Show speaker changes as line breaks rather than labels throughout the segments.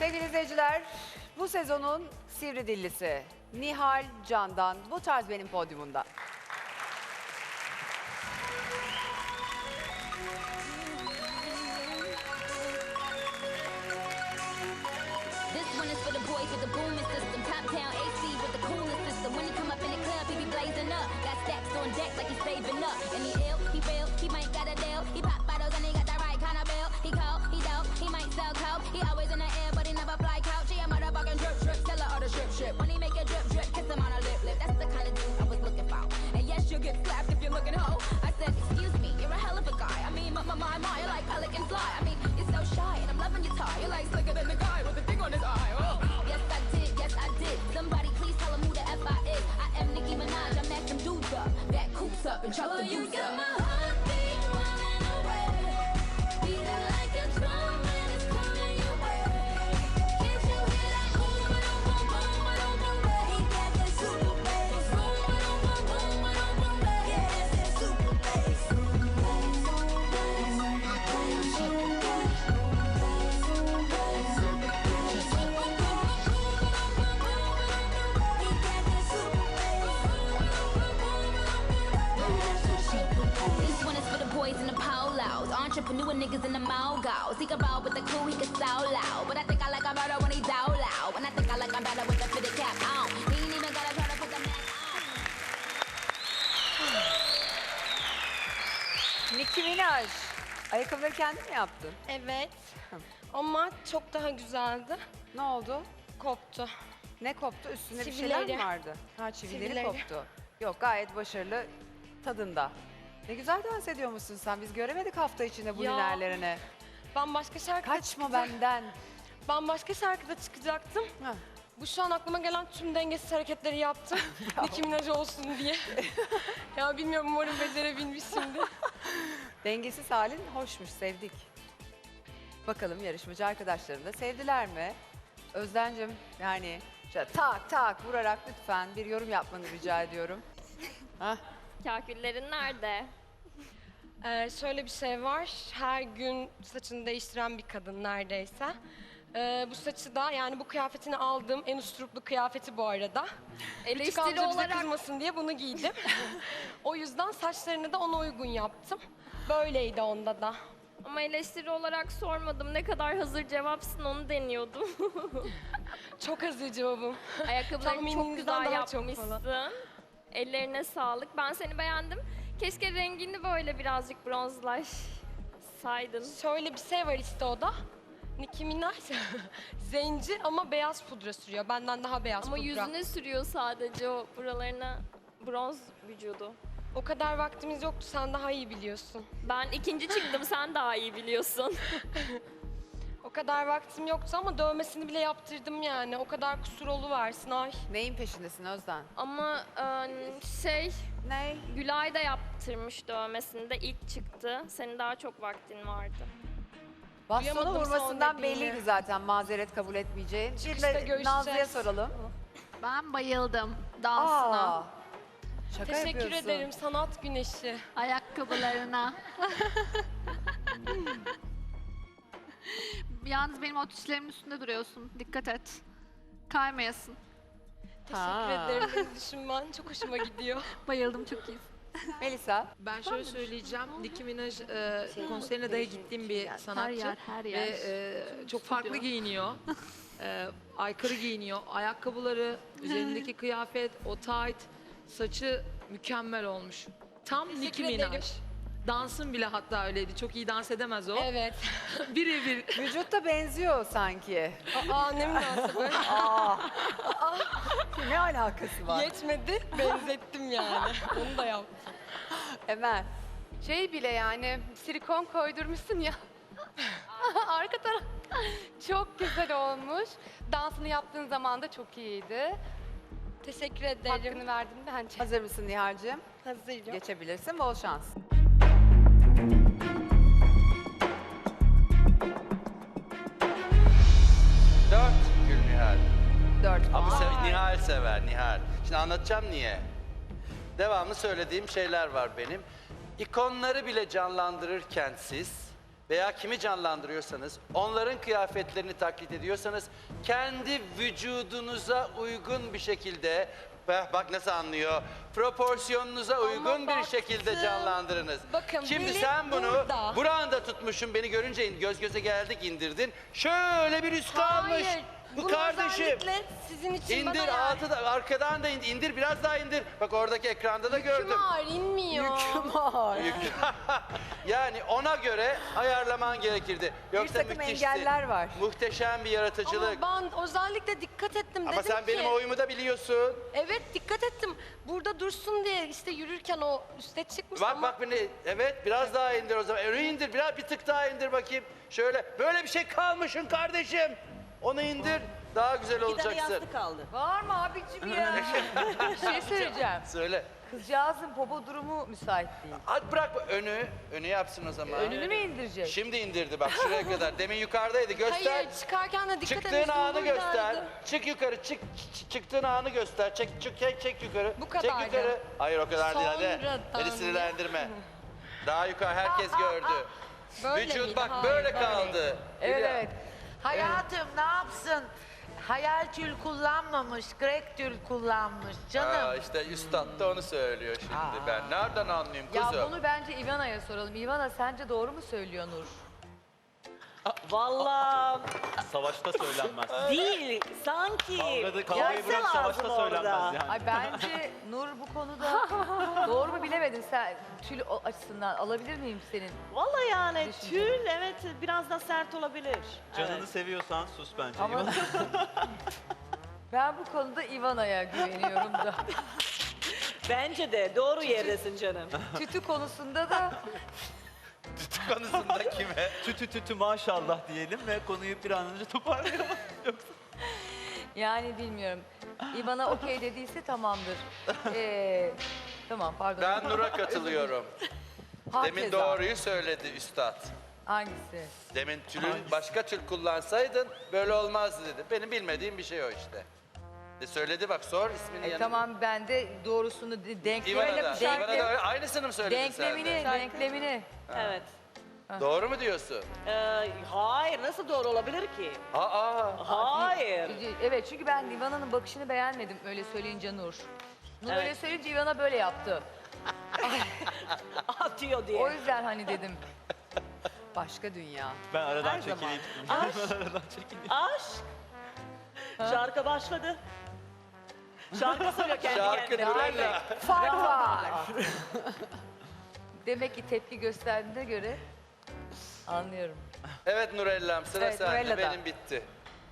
Sevgili izleyiciler, bu sezonun sivri dillisi Nihal Can'dan Bu Tarz Benim podyumunda.
This one is for the boys with the booming system. Top town AC with the coolest system. When he come up in the club, he be blazing up. Got stacks on deck like he's saving up. And he ill, he real, he might got a deal. He pop bottles and he got the right kind of bill. He cold, he dope, he might sell coke. He always in the air, but he never fly couch. He a motherfucking drip drip, seller of the strip strip. When he make a drip drip, kiss him on a lip lip. That's the kind of dude I was looking for. And yes, you'll get slapped if you're looking hoe. I said, excuse me, you're a hell of a guy. I mean, my, you're like pelican fly. I mean, you're so shy and I'm loving your tie. You're like slicker than the guy with the thing on his eye. Oh. Yes, I did. Somebody please tell him who the F I is. I am Nicki Minaj, I match them dudes up. Back coops up and chuck the dudes up. My heartbeat running away. Beating like a drum and it's coming your way. Can't you hear that boom, boom, boom, boom, boom, boom? He got that super bass. Boom, boom, boom, boom, boom, boom, boom. Yeah, that's that super bass. Super bass, super bass, super bass, super bass, super bass. This one is for the boys in the polos, entrepreneur niggas in the mogos. He can roll with the crew, he can so loud. But I think I like him better when he's out loud. And I think I like him better with the fitted cap on. He ain't even gotta try to put the mask on.
Nicki Minaj, ayakkabıları kendin mi yaptın?
Evet. Ama çok daha güzeldi.
Ne oldu?
Koptu.
Ne koptu? Üstünde bir şeyler mi
Çivileri.
vardı? Ha, çivileri
Çivileri.
koptu. Yok, gayet başarılı tadında. Ne güzel dans ediyormuşsun sen. Biz göremedik hafta içinde bu
Ya.
hünerlerini.
Ben başka şarkıda
Kaçma benden.
Ben başka şarkıda çıkacaktım.
Ha.
Bu şu an aklıma gelen tüm dengesiz hareketleri yaptım. Nicki Minaj olsun diye. Ya bilmiyorum, umarım becerebilmişimdir.
Dengesiz halin hoşmuş, sevdik. Bakalım yarışmacı arkadaşlarım da sevdiler mi? Özden'cim, yani şöyle tak tak vurarak lütfen bir yorum yapmanı rica ediyorum. Hah.
Kaküllerin nerede?
Şöyle bir şey var. Her gün saçını değiştiren bir kadın neredeyse. Bu saçı da, yani bu kıyafetini aldığım en usturuplu kıyafeti bu arada. Küçük
Eleştiri
amca bize
olarak
kızmasın diye bunu giydim. O yüzden saçlarını da ona uygun yaptım. Böyleydi onda da.
ama eleştiri olarak sormadım. Ne kadar hazır cevapsın onu deniyordum.
Çok hazır cevabım.
Ayakkabılarını çok
Tahmininizden
güzel
daha çok falan.
yapmışsın. Ellerine sağlık. Ben seni beğendim. Keşke rengini böyle birazcık bronzlaşsaydın.
Şöyle bir şey var işte, o da. Nicki Minaj zenci ama beyaz pudra sürüyor. Benden daha beyaz
Ama
pudra.
yüzüne sürüyor sadece, o buralarına bronz vücudu.
O kadar vaktimiz yoktu, sen daha iyi biliyorsun.
Ben ikinci çıktım, sen daha iyi biliyorsun.
O kadar vaktim yoktu ama dövmesini bile yaptırdım yani. O kadar kusur oluversin ay.
Neyin peşindesin Özden?
Ama
Ne?
Gülay da yaptırmış dövmesini de, ilk çıktı. Senin daha çok vaktin vardı.
Bastonu
Duyamadım
vurmasından
son dediğini.
belliydi zaten mazeret kabul etmeyeceğin. Bir
Çıkışta
de
görüşeceğiz.
Nazlı'ya soralım.
Ben bayıldım dansına,
Aa, şaka
Teşekkür
yapıyorsun.
ederim sanat güneşi.
ayakkabılarına. Yalnız benim o tişlerimin üstünde duruyorsun. Dikkat et. Kaymayasın.
Teşekkür ederim, beni düşünmen çok hoşuma gidiyor.
Bayıldım, çok iyisin.
Melisa,
Ben şöyle söyleyeceğim. Nicki Minaj konserine dahi gittiğim bir sanatçı.
Her yer.
Ve çok farklı giyiniyor. Aykırı giyiniyor. Ayakkabıları, üzerindeki kıyafet, o tight, saçı mükemmel olmuş. Tam Nicki
Teşekkür
Minaj.
ederim.
Dansın bile hatta öyleydi. Çok iyi dans edemez o.
Evet.
Birebir.
vücutta benziyor sanki.
Aa, ne münasebet.
Ne alakası var?
Yetmedi, benzettim yani. Onu da yaptım.
Emel,
Şey bile, yani silikon koydurmuşsun ya. Arka taraf çok güzel olmuş. Dansını yaptığın zaman da çok iyiydi.
Teşekkür ederim.
Hakkını verdim bence.
hazır mısın Nihal'cığım?
Hazırım.
Geçebilirsin, bol şans.
4 Gül Nihal.
4
Ama
puan.
Nihal sever, Nihal. Şimdi anlatacağım niye. Devamlı söylediğim şeyler var benim. İkonları bile canlandırırken siz veya kimi canlandırıyorsanız, onların kıyafetlerini taklit ediyorsanız, kendi vücudunuza uygun bir şekilde, bak nasıl anlıyor, proporsiyonunuza uygun bir şekilde
baktım.
canlandırınız.
Bakın,
Şimdi
benim
sen bunu
burada.
buranda tutmuşsun, beni görünce göz göze geldik, indirdin. Şöyle bir üst kalmış.
Hayır.
Bu
bunu
kardeşim.
özellikle sizin için
İndir
bana
altı da arkadan da indir biraz daha indir. Bak oradaki ekranda da gördüm.
Yüküm ağır inmiyor.
Yani ona göre ayarlaman gerekirdi. Yoksa
takım
müthişti.
engeller var.
Muhteşem bir yaratıcılık.
Ama ben özellikle dikkat ettim.
Ama
dedim
sen
ki,
benim oyumu da biliyorsun.
Evet dikkat ettim. Burada dursun diye işte yürürken o üste çıkmış
Bak
ama
bak beni. Evet biraz daha indir o zaman. Öyle indir biraz bir tık daha indir bakayım. Şöyle böyle bir şey kalmışsın kardeşim. Onu indir. Daha güzel olacaksın.
kaldı.
Var mı abicim ya? Bir şey söyleyeceğim.
Söyle.
Kızcağızın popo durumu müsait değil.
Hadi bırak önü yapsın o zaman.
Önünü mü indirecek?
Şimdi indirdi bak şuraya kadar. Demin yukarıdaydı. Göster.
hayır çıkarken de dikkat
Çıktığın
etmiştim.
anı
buradaydı.
göster. Çık yukarı. Çıktığın anı göster. Çek yukarı.
Bu
Çek
kadardı.
yukarı. Hayır o kadar değil hadi.
Sonradan
Beni sinirlendirme. Daha yukarı herkes gördü.
Böyle
Vücut
miydi?
bak
Hayır,
böyle kaldı.
Evet
Hülya.
evet.
Hayatım ne yapsın? Hayal tül kullanmamış, grek tül kullanmış canım.
Aa, işte üstad da onu söylüyor şimdi. Ben nereden anlayayım
Ya
kuzum?
bunu bence Ivana'ya soralım. Ivana sence doğru mu söylüyor Nur?
Vallahi
Savaşta söylenmez.
değil. Sanki.
Kavgayı bırak
Görse
savaşta
lazım
söylenmez
orada.
yani.
Ay bence Nur bu konuda doğru mu bilemedin sen tül açısından alabilir miyim senin?
Vallahi yani
Düşünce.
tül evet biraz da sert olabilir.
Canını
Evet.
seviyorsan sus bence.
Ama ben bu konuda Ivana'ya güveniyorum da.
Bence de doğru yerdesin canım.
Tütü konusunda da
Konusunda kime?
Tütü maşallah diyelim ve konuyu bir an önce toparlayalım.
yani bilmiyorum. Ivana okey dediyse tamamdır. Tamam pardon.
Ben Nur'a katılıyorum. Demin
Hakeza.
doğruyu söyledi üstad.
Hangisi?
Demin başka tül kullansaydın böyle olmazdı dedi. Benim bilmediğim bir şey o işte. Söyledi bak sor ismini yanına.
Tamam ben de doğrusunu
İvan'a da öyle. Aynısını mı söyledin sen de?
denklemini.
Evet.
Doğru mu diyorsun?
Hayır nasıl doğru olabilir ki? Hayır.
Evet çünkü ben Ivana'nın bakışını beğenmedim öyle söyleyince Nur. Nur
Evet.
öyle söyleyince Ivana böyle yaptı.
Atıyor diye.
O yüzden hani dedim. Başka dünya.
Ben aradan
Her zaman.
çekileyim.
Aşk.
Aradan çekileyim.
Aşk. Şarkı başladı. Şarkı söylüyor kendi
Şarkı
kendine.
Nurella.
Fark var. Demek ki tepki gösterdiğine göre anlıyorum.
Evet Nurella'm sıra
Evet,
sende.
Nurella'da.
Benim bitti.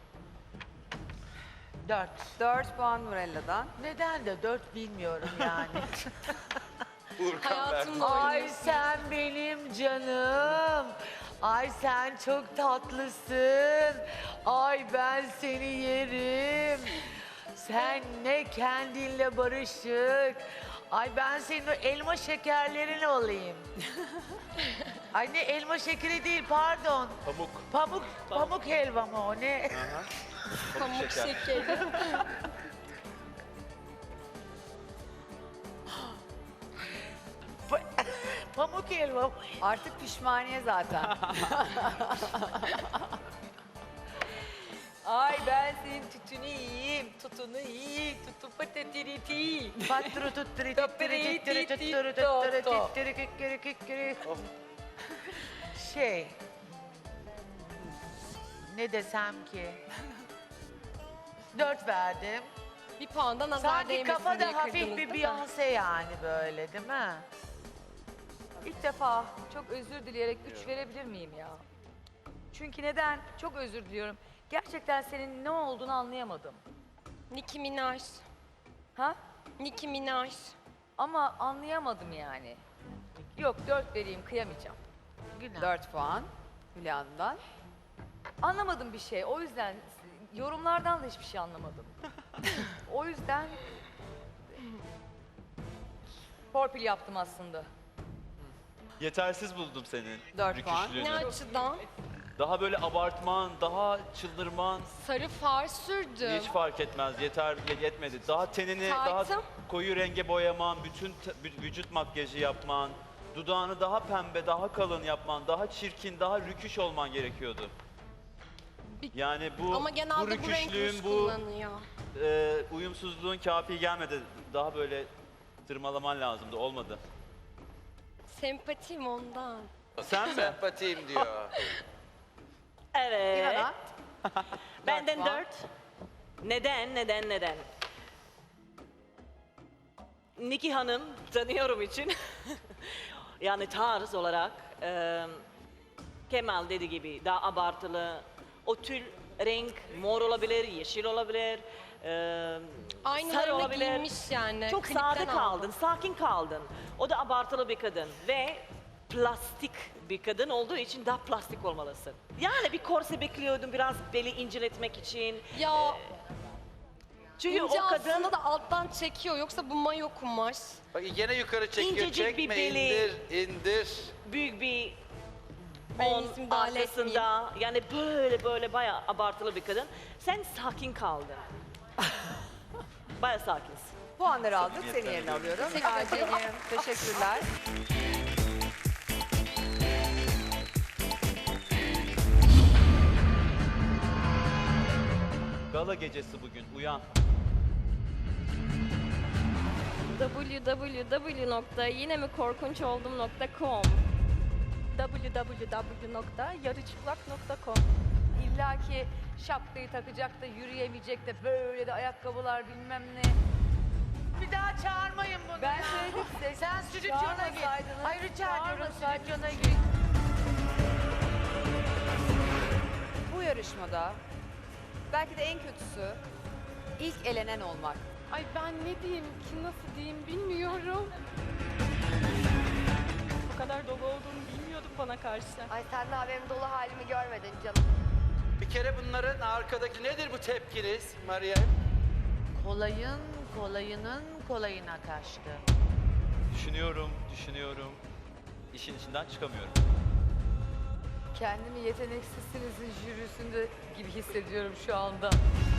4.
4 puan Nurella'dan.
Neden de 4 bilmiyorum yani.
Urkan
Hayatımla
verdi.
Ay
oynuyorsun.
sen benim canım. Ay sen çok tatlısın. Ay ben seni yerim. Sen ne kendinle barışık. Ay ben senin o elma şekerlerin olayım. Ay ne elma şekeri değil pardon.
Pamuk.
Pamuk helva mı o ne?
Pamuk şekeri.
Pamuk helva mı?
Artık pişmaniye zaten. Ay ben senin tütünü yiyeyim, tutunu yiyeyim, tutu patatiriti.
Patru tutturi tutturi tutturi tutturi tutturi tutturi kikiri kikiri. Şey. Ne desem ki? 4 verdim.
Bir puanda nazar
Sanki
değmesin
kafa
diye
da hafif
kırdınız,
bir
değil mi?
Beyoncé yani böyle değil mi?
İlk defa çok özür dileyerek 3 verebilir miyim ya? Çünkü neden? Çok özür diliyorum. Gerçekten senin ne olduğunu anlayamadım.
Nicki Minaj.
Ha?
Nicki Minaj.
Ama anlayamadım yani. Yok 4 vereyim kıyamayacağım.
Günah.
4 puan Hülya'ndan. Anlamadım bir şey. O yüzden yorumlardan da hiçbir şey anlamadım. O yüzden torpil yaptım aslında.
Yetersiz buldum senin
4 puan.
rüküşlüğünü.
Ne açıdan?
Daha böyle abartman, daha çıldırman
Sarı far sürdüm.
hiç fark etmez. Yetmedi. Daha tenini
Tartım.
daha koyu renge boyaman, bütün vücut makyajı yapman, dudağını daha pembe, daha kalın yapman, daha çirkin, daha rüküş olman gerekiyordu. Yani bu,
Ama genelde bu renk
rüküşlüğün,
ruj
bu
kullanıyor.
uyumsuzluğun kafi gelmedi. Daha böyle tırmalaman lazımdı, olmadı.
Sempatim ondan.
Sen sempatiyim diyor.
Evet.
İvana.
Benden
puan.
4. Neden? Niki Hanım tanıyorum için. Yani tarz olarak Kemal dediği gibi daha abartılı. O tül renk mor olabilir, yeşil olabilir, sarı
Aynılarını
olabilir.
giymiş yani.
Çok
klipten
sade
aldım.
kaldın, sakin kaldın. O da abartılı bir kadın ve plastik bir kadın olduğu için daha plastik olmalısın. Yani bir korse bekliyordum biraz beli inceletmek için.
Ya
Çünkü
ince
o kadın
aslında da alttan çekiyor. Yoksa bu mayo kumaş.
Bak gene yukarı çekiyor.
İncecik bir
Çekme,
beli.
indir.
büyük bir
Benim
on
ismim dahil
arkasında yani böyle bayağı abartılı bir kadın. Sen sakin kaldın. Bayağı sakinsin.
Puanları aldık. Seni yerine alıyorum.
Teşekkür ederim.
Teşekkürler.
Gala gecesi bugün, uyan.
www.yinemikorkunçoldum.com
www.yarıçıplak.com İlla ki şapkayı takacak da yürüyemeyecek de böyle de ayakkabılar bilmem ne.
Bir daha çağırmayın bunu
Ben
ya.
söyledim size.
Sen stüdyona git.
Çağırmasaydınız,
Hayır rica ediyorum
çağırmasaydınız.
stüdyona git.
Bu yarışmada belki de en kötüsü ilk elenen olmak.
Ay ben ne diyeyim ki nasıl diyeyim bilmiyorum.
Bu kadar dolu olduğunu bilmiyordum bana karşı. Ay sen daha benim dolu halimi görmedin canım.
Bir kere bunların arkadaki nedir bu tepkiniz Meryem?
Kolayının kolayına kaçtı.
Düşünüyorum. İşin içinden çıkamıyorum.
Kendimi yeteneksizsinizin jürisinde gibi hissediyorum şu anda.